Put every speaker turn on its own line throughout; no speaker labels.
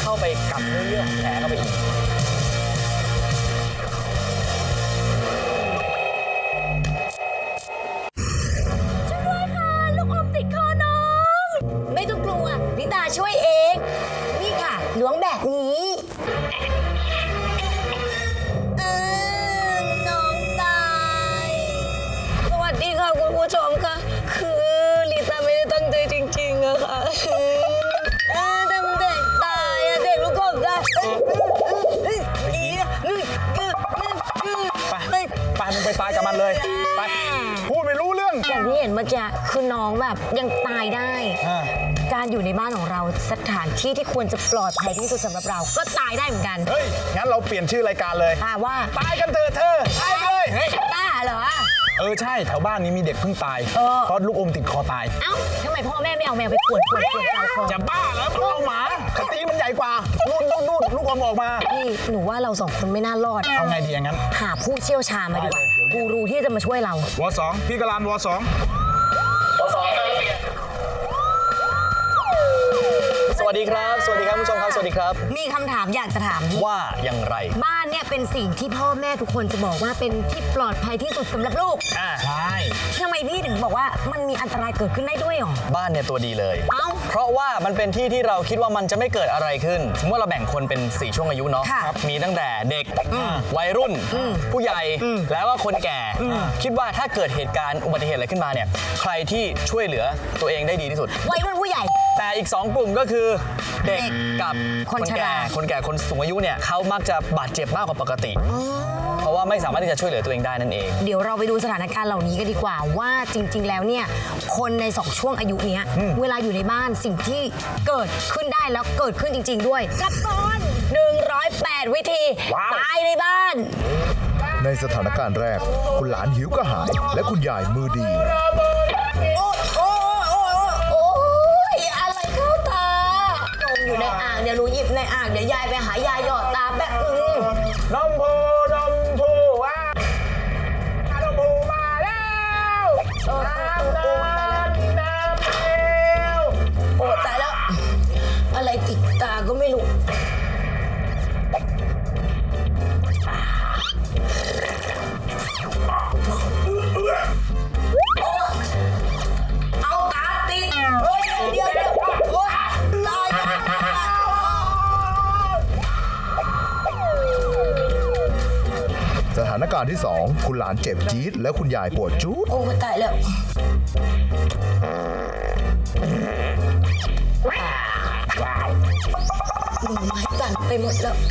เข้าไปกัดเนื้อของแผลเข้าไปอีก
ไม่ต้องกลัวลิตาช่วยเอง นี่ค่ะล้วงแบบนี้น้องตายสวัสดีค่ะคุณผู้ชมค่ะคือลิตาไม่ได้ตั้งใจจริงๆอะค่ะแต่มันเด็กตายอะเด็กลูกกบตาย
ไปมึงไปตายกับมันเลยไปพูดไม่รู้เรื่อง
อย่างที่เห็นเมื่อกี้คือน้องแบบยังตายได้ การอยู่ในบ้านของเราสถานที่ที่ควรจะปลอดภัยที่สุดสำหรับเราก็ตายได้เหมือนกัน
เฮ้ยงั้นเราเปลี่ยนชื่อรายการเลย
ว่า
ตายกันเถอะเธอตายเลย
บ้าเหรอ
ใช่แถวบ้านนี้มีเด็กเพิ่งตายเพราะลูกอมติดคอตาย
เอ้าทำไมพ่อแม่ไม่เอาแมวไปขวนกลางคอ
จะบ้าแล้วมันเอาหมาคตีมันใหญ่กว่านู่นลูกอมออกมา
พี่หนูว่าเราสองคนไม่น่ารอด
เอาไงดีอย่างนั้น
หาผู้เชี่ยวชาญมาดีกว่ากูรูที่จะมาช่วยเรา
ว.2 พี่กรันว.2สวัสดีครับสวัสดีครับผู้ชมครับสวัสดีครับ
มีคำถามอยากจะถาม
ว่าอย่างไร
บ้านเนี่ยเป็นสิ่งที่พ่อแม่ทุกคนจะบอกว่าเป็นที่ปลอดภัยที่สุดสำหรับลูก
ใช่
ทำไมพี่ถึงบอกว่ามันมีอันตรายเกิดขึ้นได้ด้วยหรอ
บ้านเนี่ยตัวดีเลย
เพ
ราะว่ามันเป็นที่ที่เราคิดว่ามันจะไม่เกิดอะไรขึ้นเมื่อเราแบ่งคนเป็น4ช่วงอายุเนาะมีตั้งแต่เด็กวัยรุ่นผู้ใหญ่แล้วก็คนแก่คิดว่าถ้าเกิดเหตุการณ์อุบัติเหตุอะไรขึ้นมาเนี่ยใครที่ช่วยเหลือตัวเองได้ดีที่สุด
วัยรุ่นผู้ใหญ่
แต่อีก2กลุ่มก็คือเด็กกับคนแก่คนสูงอายุเนี่ยเขามักจะบาดเจ็บมากกว่าปกติเพราะว่าไม่สามารถที่จะช่วยเหลือตัวเองได้นั่นเอง
เดี๋ยวเราไปดูสถานการณ์เหล่านี้กันดีกว่าว่าจริงๆแล้วเนี่ยคนใน2ช่วงอายุเนี้ยเวลาอยู่ในบ้านสิ่งที่เกิดขึ้นได้แล้วเกิดขึ้นจริงๆด้วยกับตอน108วิธีตายในบ้าน
ในสถานการณ์แรกคุณหลานหิวกระหายและคุณยายมือดี
อะไรเข้าตานมอยู่ในอ่างเดี๋ยวหนูหยิบในอ่างเดี๋ยวยายไปหายาหยอดตาแป๊บนึง
นมพูว่านมพูมาแล้วน้ำ
โอ้ตายแล้วอะไรติดตาก็ไม่รู้เอาตาติดเดี๋ยวโอ้ตาย
สถานการณ์ที่2คุณหลานเจ็บจี๊ดและคุณยายปวดจู๊ด
โอ้ตายแล้วมือไม้สั่นไปหมดแล้ว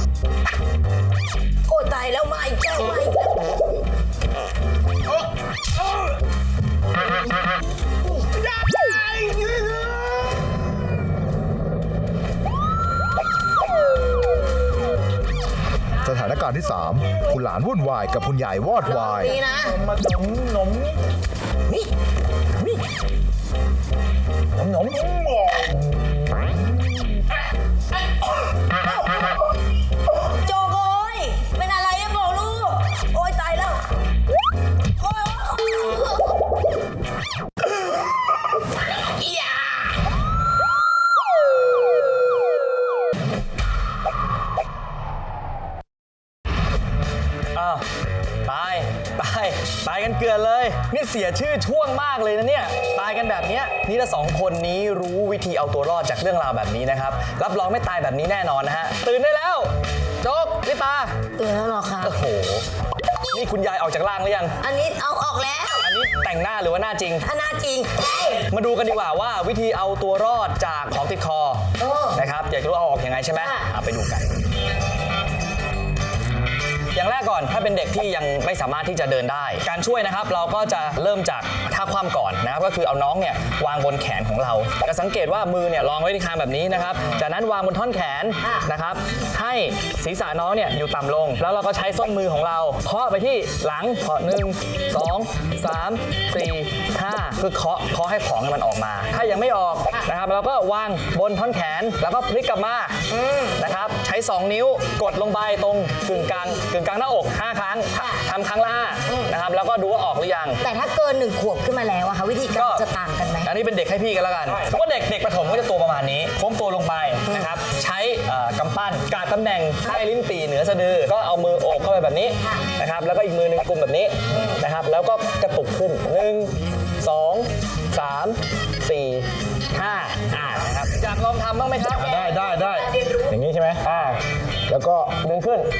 โอ้ตายแล้วมาอีกแล้ว
สถานการณ์ที่3คุณหลานวุ่นวายกับคุณยายวอดวาย
นี่นะ
นม
โจโกยเป็นอะไรอะบอกลูกโอ้ยตายแล้วโอ้ย
ตายกันเกลือเลยนี่เสียชื่อช่วงมากเลยนะเนี่ยตายกันแบบนี้นี่ละ2คนนี้รู้วิธีเอาตัวรอดจากเรื่องราวแบบนี้นะครับรับรองไม่ตายแบบนี้แน่นอนนะฮะตื่นได้แล้วโจ๊กลิตา
ตื่นแล้วหรอคะ
โอ้โหนี่คุณยายออกจากร่างหรือยัง
อันนี้เอาออกแล้ว
อันนี้แต่งหน้าหรือว่าหน้าจริง
หน้าจริง
มาดูกันดีกว่าว่าวิธีเอาตัวรอดจากของติดคอนะครับอยากรู้เอาออกยังไงใช่ไหมไปดูกันอย่างแรกก่อนถ้าเป็นเด็กที่ยังไม่สามารถที่จะเดินได้การช่วยนะครับเราก็จะเริ่มจากท่าคว่ำก่อนนะครับก็คือเอาน้องเนี่ยวางบนแขนของเราจะสังเกตว่ามือเนี่ยรองไว้ที่คางแบบนี้นะครับจากนั้นวางบนท่อนแขนนะครับให้ศีรษะน้องเนี่ยอยู่ต่ำลงแล้วเราก็ใช้ส้นมือของเราเคาะไปที่หลังเคาะ1 2 3 4 5คือเคาะให้ของมันออกมาถ้ายังไม่ออกนะครับเราก็วางบนท่อนแขนแล้วก็พลิกกลับมานะครับใช้2นิ้วกดลงไปตรงกึ่งกลางหน้าอก5 ครั้งทำครั้งละ5นะครับแล้วก็ดูว่าออกหรือยัง
แต่ถ้าเกิน1 ขวบขึ้นมาแล้วอะค่ะวิธีการจะต่างกันไหม
อันนี้เป็นเด็กให้พี่กันแล้วกันเพราะว่าเด็กประถมก็จะตัวประมาณนี้โค้งตัวลงไปนะครับใช้กำปั้นกาดตำแหน่งใต้ลิ้นปี่เหนือสะดือก็เอามือโอบเข้าไปแบบนี้นะครับแล้วก็อีกมือหนึ่งกุมแบบนี้นะครับแล้วก็กระตุกขึ้น 1 2 3 4 5นะครับอยากลองทำบ้างไหมครับ
ได้อย่างนี้ใช่ไหมแล้วก็
ดึงขึ้น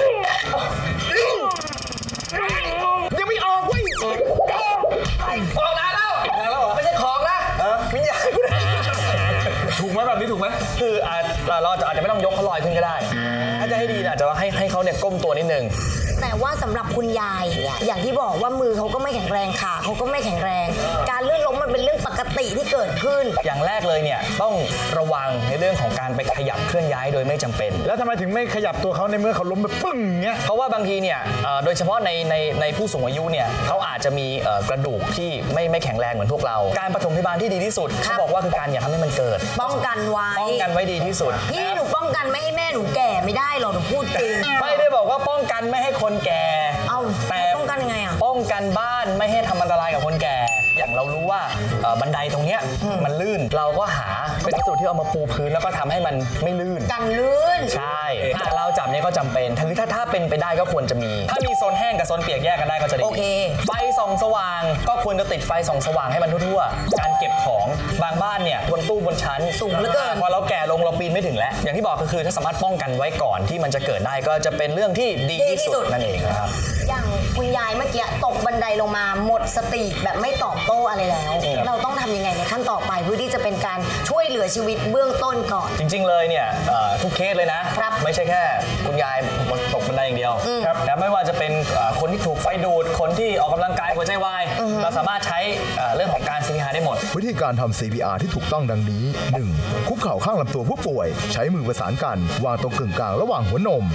ยังไม่ออกเว้ย
ออกนานแล้วไม่ใช่ของนะวิญญาณ
ถูกไหมแบบนี้ถูกไหม
คือเราอาจจะไม่ต้องยกเขาลอยขึ้นก็ได้ถ้าจะให้ดีนะอาจจะให้เขาเนี่ยก้มตัวนิดนึง
แต่ว่าสำหรับคุณยายเนี่ยอย่างที่บอกว่ามือเขาก็ไม่แข็งแรงขาเขาก็ไม่แข็งแรง การลื่นล้มมันเป็นเรื่องปกติที่เกิดขึ้น
อย่างแรกเลยเนี่ยต้องระวังในเรื่องของการไปขยับเคลื่อนย้ายโดยไม่จำเป็น
แล้วทำไมถึงไม่ขยับตัวเขาในเมื่อเขาล้มไปปึ้งเงี้ย
เพราะว่าบางทีเนี่ยโดยเฉพาะในผู้สูงอายุเนี่ยเขาอาจจะมีกระดูกที่ไม่แข็งแรงเหมือนพวกเรา การปฐมพยาบาลที่ดีที่สุดเขาบอกว่าคือการอย่าทำให้มันเกิด
ป้องกันไว้
ป้องกันไว้ดีที่สุด
พี่หนูป้องกันไม่ให้แม่หนูแก่ไม่ได้หรอกหนูพูดจริง
ไม่ได้บอกว่าป้องกันไม่ให้คนแก่
เอ้า
แต่
ป้องกันยังไงอ่ะ
ป้องกันบ้านไม่ให้ทำอันตรายกับคนแก่ อย่างเรารู้ว่าบันไดตรงเนี้ยมันลื่นเราก็หาเป็นวัสดุที่เอามาปูพื้นแล้วก็ทำให้มันไม่ลื่น
กันลื่น
ใช่ถ้าเราจับเนี่ยก็จำเป็นถ้าเป็นไปได้ก็ควรจะมี ถ้ามีโซนแห้งกับโซนเปียกแยกกันได้ก็จะดี
โอเค
ไฟส่องสว่างก็ควรจะติดไฟส่องสว่างให้มันทั่วๆการเก็บของบางบ้านเนี่ยบนตู้บนชั้น
สูงเหลือเกิน
พอเราแก่ลงเราปีนไม่ถึงแล้วอย่างที่บอกก็คือถ้าสามารถป้องกันไว้ก่อนที่มันจะเกิดได้ก็จะเป็นเรื่องที่ดีที่สุดนั่นเองนะครับ
อย่างคุณยายเมื่อกี้ตกบันไดลงมาหมดสติแบบไม่ตอบโต้อะไรแล้ว เราต้องทำยังไงในขั้นต่อไปเพื่อที่จะเป็นการช่วยเหลือชีวิตเบื้องต้นก่อน
จริงๆเลยเนี่ยทุกเคสเลยนะครับ ไม่ใช่แค่คุณยายตกบันไดอย่างเดียวครับแต่ไม่ว่าจะเป็นคนที่ถูกไฟดูดคนที่ออกกำลังกายหัวใจวายเราสามารถใช้เรื่องของการ CPR ได้หมด
วิธีการทำ CPR ที่ถูกต้องดังนี้ 1. คุกเข่าข้างลำตัวผู้ป่วย ใช้มือประสานกัน วางตรงกึ่งกลางระหว่างหัวนม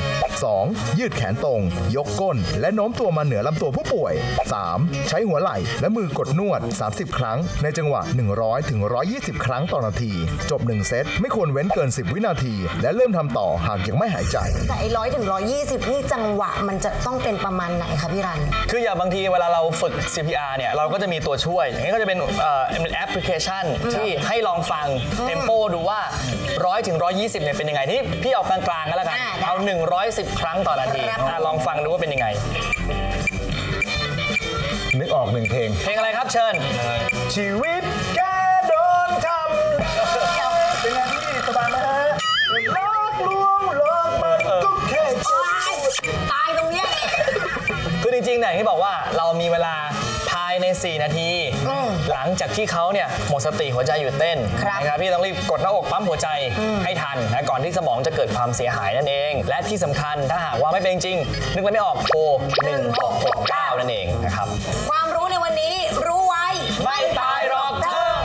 2. ยืดแขนตรง ยกก้น และโน้มตัวมาเหนือลำตัวผู้ป่วย 3. ใช้หัวไหล่และมือกดนวด 30 ครั้ง ในจังหวะ 100 ถึง 120 ครั้งต่อนาที จบ 1 เซต ไม่ควรเว้นเกิน 10 วินาที และเริ่มทำต่อหากยังไม่หายใจ
แต่100 ถึง 120 นี่จังหวะมันจะต้องเป็นประมาณไหนคะพี่รัน
คืออย่างบางทีเวลาเราฝึก CPR เนี่ยเราก็จะมีตัวช่วย อย่างนี้ก็จะเป็นแอปพลิเคชันที่ให้ลองฟังเทมโปดูว่า 100 ถึง 120 เนี่ยเป็นยังไงที่พี่เอากลางๆก็แล้วกัน
ได้
เอา 110 ครั้งต่อนาที
ครับ
ลองฟังดูว่าเป็นยังไง
นึกออกหนึ่งเพลง
เพลงอะไรครับเชิญ
ชีวิตแกโดนทำเป็นไงพี่สบายไหมฮะลอกลวงหลอกมันก็แค่
ตายตรงเนี้ย
คือจริงๆเนี่ยอย่างที่บอกว่าเรามีเวลาภายใน 4 นาที หลังจากที่เขาเนี่ยหมดสติหัวใจหยุดเต้น
ครับ
นะครับพี่ต้องรีบกดหน้าอกปั๊มหัวใจให้ทันนะก่อนที่สมองจะเกิดความเสียหายนั่นเอง และที่สำคัญถ้าหากว่าไม่เป็นจริง นึกอะไรไม่ออกโทร1669 นั่นเองนะครับ
ความรู้ในวันนี้รู้ไว้
ไม่ตายหรอกเธอ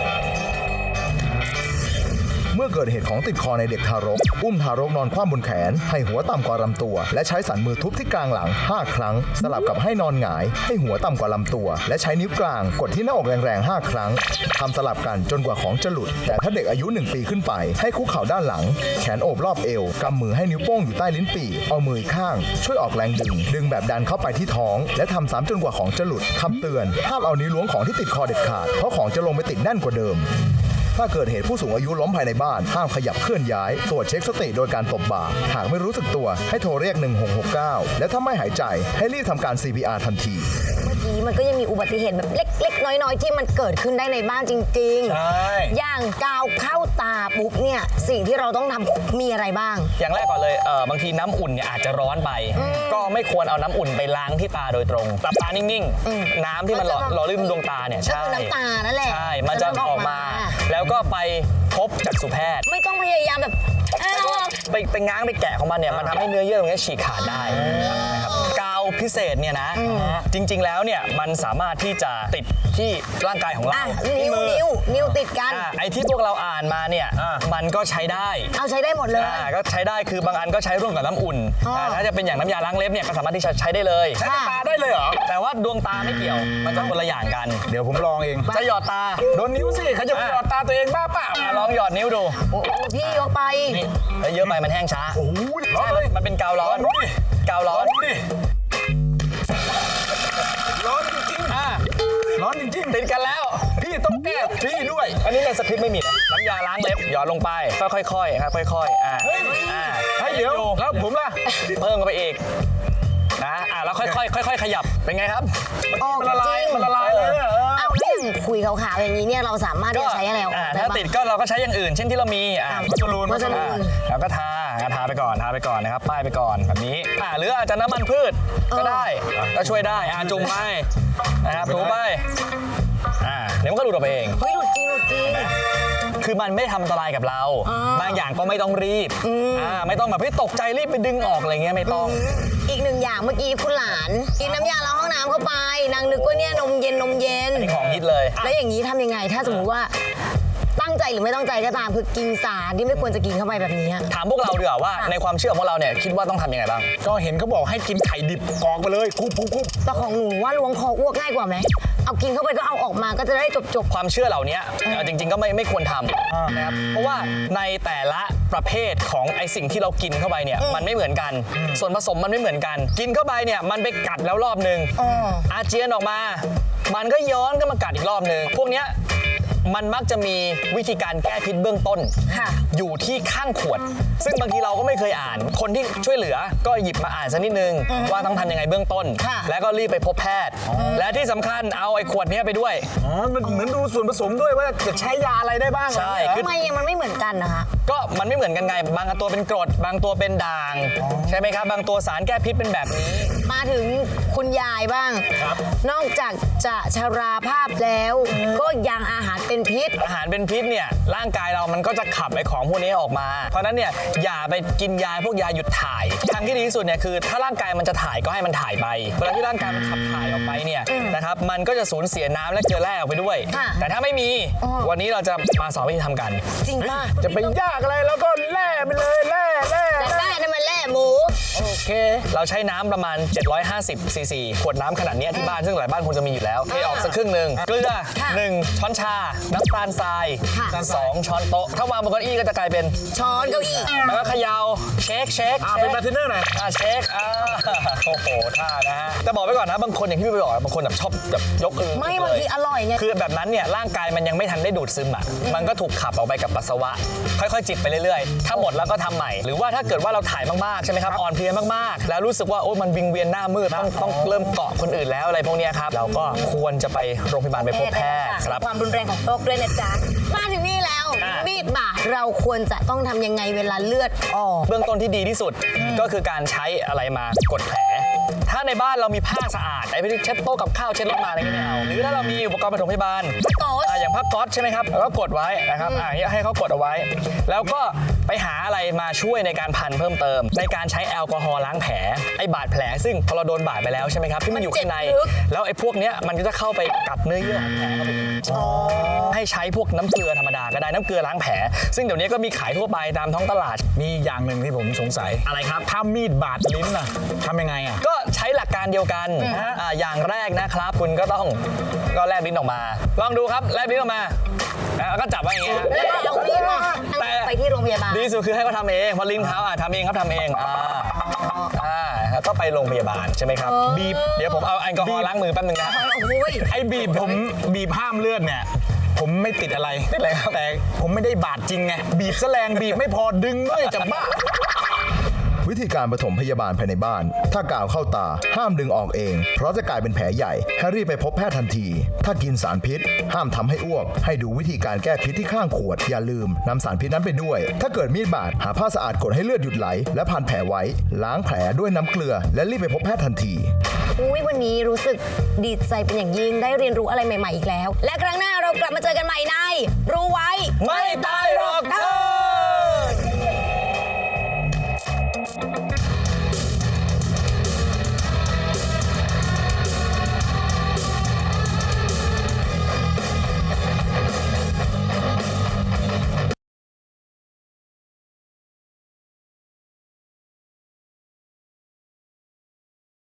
เมื่อเกิดเหตุของติดคอในเด็กทารก อุ้มทารกนอนคว่ำบนแขน ให้หัวต่ำกว่าลำตัว และใช้สันมือทุบที่กลางหลัง 5 ครั้ง สลับกับให้นอนหงาย ให้หัวต่ำกว่าลำตัว และใช้นิ้วกลางกดที่หน้าอกแรงๆ 5 ครั้ง ทำสลับกันจนกว่าของจะหลุด แต่ถ้าเด็กอายุ 1 ปีขึ้นไป ให้คุกเข่าด้านหลัง แขนโอบรอบเอว กำมือให้นิ้วโป้งอยู่ใต้ลิ้นปี่ เอามืออีกข้าง ช่วยออกแรงดึงแบบดันเข้าไปที่ท้อง และทำซ้ำจนกว่าของจะหลุดคำเตือนห้ามเอานิ้วล้วงของที่ติดคอเด็ดขาด เพราะของจะลงไปติดแน่นกว่าเดิม ถ้าเกิดเหตุผู้สูงอายุล้มภายในบ้าน ห้ามขยับเคลื่อนย้าย ตรวจเช็คสติโดยการตบบ่า หากไม่รู้สึกตัวให้โทรเรียก 1669 และถ้าไม่หายใจให้รีบทำการ CPR ทันที
เมื่อกี้มันก็ยังมีอุบัติเหตุแบบเล็กๆ น้อยๆ ที่มันเกิดขึ้นได้ในบ้านจริงๆ
ใช่
อย่างกาวเข้าตาปุ๊บเนี่ยสิ่งที่เราต้องทำมีอะไรบ้าง
อย่างแรกก่อนเลยบางทีน้ำอุ่นเนี่ยอาจจะร้อนไป ก็ไม่ควรเอาน้ำอุ่นไปล้างที่ตาโดยตรงหลับตานิ่งๆ น้ำที่มันหล่อลื่นดวงตาเนี่ย
ก็คือน้ำตานั่นแหละ
ใช่มันจะออกมา แล้วก็ไปพบจักษุแพทย์
ไม่ต้องพยายามแบบเอาออก
ไปง้างไปแกะของมันเนี่ยมันทำให้เนื้อเยื่อตรงนี้ฉีกขาดได้นะครับกาวพิเศษเนี่ยนะจริงๆแล้วเนี่ยมันสามารถที่จะติดที่ร่างกายของเรา
อ่ะ
ที่มือ
นิ้วติดกัน
ไอ้ที่พวกเราอ่านมาเนี่ยมันก็ใช้ได้
เอาใช้ได้หมดเลย
ก็ใช้ได้คือบางอันก็ใช้ร่วมกับน้ำอุ่น
อ๋อ
ถ้าจะเป็นอย่างน้ำยาล้างเล็บเนี่ยก็สามารถที่จะใช้ได้เลย
ค่ะ
ตาได้เลยเหรอ
แต่ว่าดวงตาไม่เกี่ยวมันจะคนละอย่างกัน
เดี๋ยวผมลองเอง
จะหยอดตา
โดนนิ้วสิเขาจะหยอดตาตัวเองบ้าเปล่า
ลองหยอดนิ้วดู
โอ้โหพี่ยกไป
นี่แล้วเยอะไปมันแห้งช้า
โอ้โหร้อนเลย
มันเป็นกาวร้อน
ดูดิ
กาวร้อน
ดูดิร้อนจริงๆร้อนจริงๆ
ติดกันแล้ว
พี่ต้องแก้พี่ด้วย
อันนี้ในสคริปต์ไม่มีนะำยาล้างเล็บหยอดลงไปก็ค่อยๆครับค่อยๆ
ให้เดี๋ยวแล้วผมล่ะ
เพิ่มเข้าไปอีกนะแล้วค่อยๆขยับเป็นไงครับ
มันละลายเลยเนี่ย
เอาแล้วอย่างคุยขาวๆอย่างนี้เนี่ยเราสามารถที่จะใช้อะไรออกได้
ถ้า
บ้าง
ติดก็เราก็ใช้อย่างอื่น เช่นที่เรามี
วัสลูน
แล้วก็ทาไปก่อนนะครับป้ายไปก่อนแบบนี้หรืออาจจะน้ำมันพืชก็ได้ก็ช่วยได้จุ่มไปนะครับถูไปเดี๋ยวมันก็หลุดออกไปเอง
เฮ้ยหลุดจริง
คือมันไม่ทำอันตรายกับเราบางอย่างก็ไม่ต้องรีบไม่ต้องแบบตกใจรีบไปดึงออกอะไรเงี้ยไม่ต้อง
อีกหนึ่งอย่างเมื่อกี้คุณหลานกินน้ำยาล้างห้องน้ำเข้าไปนางนึกว่าเนี่ยนมเย็น
นี่ของฮิตเลย
แล้วอย่างนี้ทำยังไงถ้าสมมติว่าตั้งใจหรือไม่ตั้งใจก็ตามคือกินสารที่ไม่ควรจะกินเข้าไปแบบนี้
ถามพวกเราดีกว่าว่าในความเชื่อของเราเนี่ยคิดว่าต้องทำยังไงบ้าง
ก็เห็นเขาบอกให้กินไข่ดิบกรอกไปเลยคุบ
แต่ของหนูว่าล้วงคออ้วกง่ายกว่าไหมเอากินเข้าไปก็เอาออกมาก็จะได้จบ
ความเชื่อเหล่านี้จริงๆก็ไม่ควรทำนะครับเพราะว่าในแต่ละประเภทของไอสิ่งที่เรากินเข้าไปเนี่ยมันไม่เหมือนกันส่วนผสมมันไม่เหมือนกันกินเข้าไปเนี่ยมันไปกัดแล้วรอบนึงอาเจียนออกมามันก็ย้อนก็มากัดอีกรอบนึงพวกเนี้ยมันมักจะมีวิธีการแก้พิษเบื้องต้นอยู่ที่ข้างขวดซึ่งบางทีเราก็ไม่เคยอ่านคนที่ช่วยเหลือก็หยิบมาอ่านสักนิดนึงว่าต้องทำยังไงเบื้องต้นแล้วก็รีบไปพบแพทย์และที่สำคัญเอาไอ้ขวดนี้ไปด้วย
มันเหมือนดูส่วนผสมด้วยว่าจะใช้ยาอะไรได้บ้าง
ใช่
ทำไมมันไม่เหมือนกันนะคะ
ก็มันไม่เหมือนกันไงบางตัวเป็นกรดบางตัวเป็นด่างใช่ไหมครับบางตัวสารแก้พิษเป็นแบบนี้
มาถึงคุณยายบ้างนอกจากจะชราภาพแล้วก็ยังอาหารเป็นพิษ
เนี่ยร่างกายเรามันก็จะขับไอ้ของพวกนี้ออกมาเพราะนั้นเนี่ยอย่าไปกินยาพวกยาหยุดถ่ายทางที่ดีที่สุดเนี่ยคือถ้าร่างกายมันจะถ่ายก็ให้มันถ่ายไปเวลาที่ร่างกายมันขับถ่ายออกไปเนี่ยนะครับมันก็จะสูญเสียน้ำและเกลือแร่ออกไปด้วยแต่ถ้าไม่มีวันนี้เราจะมาสอนวิธีทำกัน
จริงป่ะ
จะไปยากอะไรแล้วก็แล่ไปเลยแล่
แต่แล่นี่มันแล่หมู
โอเคเราใช้น้ำประมาณ750ซีซีขวดน้ำขนาดนี้ที่บ้านซึ่งหลายบ้านคงจะมีอยู่แล้วเทออกสักครึ่งนึงเกลือ1ช้อนชาน้ำตาลทราย2 ช้อนโต๊ะถ้าวางบนเก้าอี้ก็จะกลายเป็น
ช้อนเก้าอี้
แล้วก็เขย่าเช็ค
เป็นบาร์เทนเนอร์หน่อย
เช็คโอ้โหท่านะฮะแต่บอกไว้ก่อนนะบางคนอย่างที่พี่ไปบอกบางคนแบบชอบแบบยก
ไม่บางทีอร่อยไง
คือแบบนั้นเนี่ยร่างกายมันยังไม่ทันได้ดูดซึมมันก็ถูกขับออกไปกับปัสสาวะค่อยๆจิบไปเรื่อยๆถ้าหมดแล้วก็ทำใหม่หรือว่าถ้าเกิดว่าเราถ่ายมากๆใช่ไหมครับอ่อนเพลียมากๆแล้วรู้สึกว่าโอ้มันวิงเวียนหน้ามืดต้องเริ่มเกาะคนอื่นแล้วอะไรพวกนี้ครับเราก็ควรจะไปโรงพยาบาลไปพบแพทย์ครับ
ความรุนแรงของโรคด้วยนะจ๊ะมาถึงนี่แล้วมีดบาดเราควรจะต้องทำยังไงเวลาเลือดออก
เบื้องต้นที่ดีที่สุดก็คือการใช้อะไรมากดแผลถ้าในบ้านเรามีผ้าสะอาดไอ้พวกเช็ดโต๊ะกับข้าวเช็ดรถมาอะไรก็ไม่เอาหรือถ้าเรามีอุปกรณ์ปฐมพยาบาลอย่างผ้าก๊อซใช่ไหมครับแล้วก็กดไว้นะครับให้เขากดเอาไว้แล้วก็ไปหาอะไรมาช่วยในการพันเพิ่มเติมในการใช้แอลกอฮอล์ล้างแผลไอ้บาดแผลซึ่งพอเราโดนบาดไปแล้วใช่ไหมครับที่มันอยู่ข้างในแล้วไอ้พวกเนี้ยมันก็จะเข้าไปกัดเนื้อเยื่อของแผลเข้าไปให้ใช้พวกน้ำเกลือธรรมดาก็ได้น้ำเกลือล้างแผลซึ่งเดี๋ยวนี้ก็มีขายทั่วไปตามท้องตลาด
มีอย่างหนึ่งที่ผมสงสัย
อะไรครับ
ถ้ามีดบาดลิ้นน่ะทำยังไง
ก็ใช้หลักการเดียวกันอย่างแรกนะครับคุณก็ต้องแลบลิ้นออกมาลองดูครับแลบลิ้นออกมาแล้วก็จับไว้อย่างเงี้ย
แล้วเอามีดมาไปที่โรงพยาบาล
ดีสุดคือให้เขาทำเองเพราะลิ้นเขาทำเองครับทำเองแล้วก็ไปโรงพยาบาลใช่ไหมครับบีบเดี๋ยวผมเอาแอลกอฮอล์ล้างมือแป๊บนึงนะ
ไอ้บีบผมบีบห้ามเลือดเนี่ยผมไม่ติดอะไรแต่ผมไม่ได้บาดจริงไงบีบแสลงบีบไม่พอดึงด้วยจะบ้า
วิธีการปฐมพยาบาลภายในบ้านถ้ากาวเข้าตาห้ามดึงออกเองเพราะจะกลายเป็นแผลใหญ่ให้รีบไปพบแพทย์ทันทีถ้ากินสารพิษห้ามทำให้อ้วกให้ดูวิธีการแก้พิษที่ข้างขวดอย่าลืมนำสารพิษนั้นไปด้วยถ้าเกิดมีดบาดหาผ้าสะอาดกดให้เลือดหยุดไหลและพันแผลไว้ล้างแผลด้วยน้ำเกลือและรีบไปพบแพทย์ทันที
วันนี้รู้สึกดีใจเป็นอย่างยิ่งได้เรียนรู้อะไรใหม่ๆอีกแล้วและครั้งหน้าเรากลับมาเจอกันใหม่ในรู้ไว้
ไม่ตายหรอกเธอ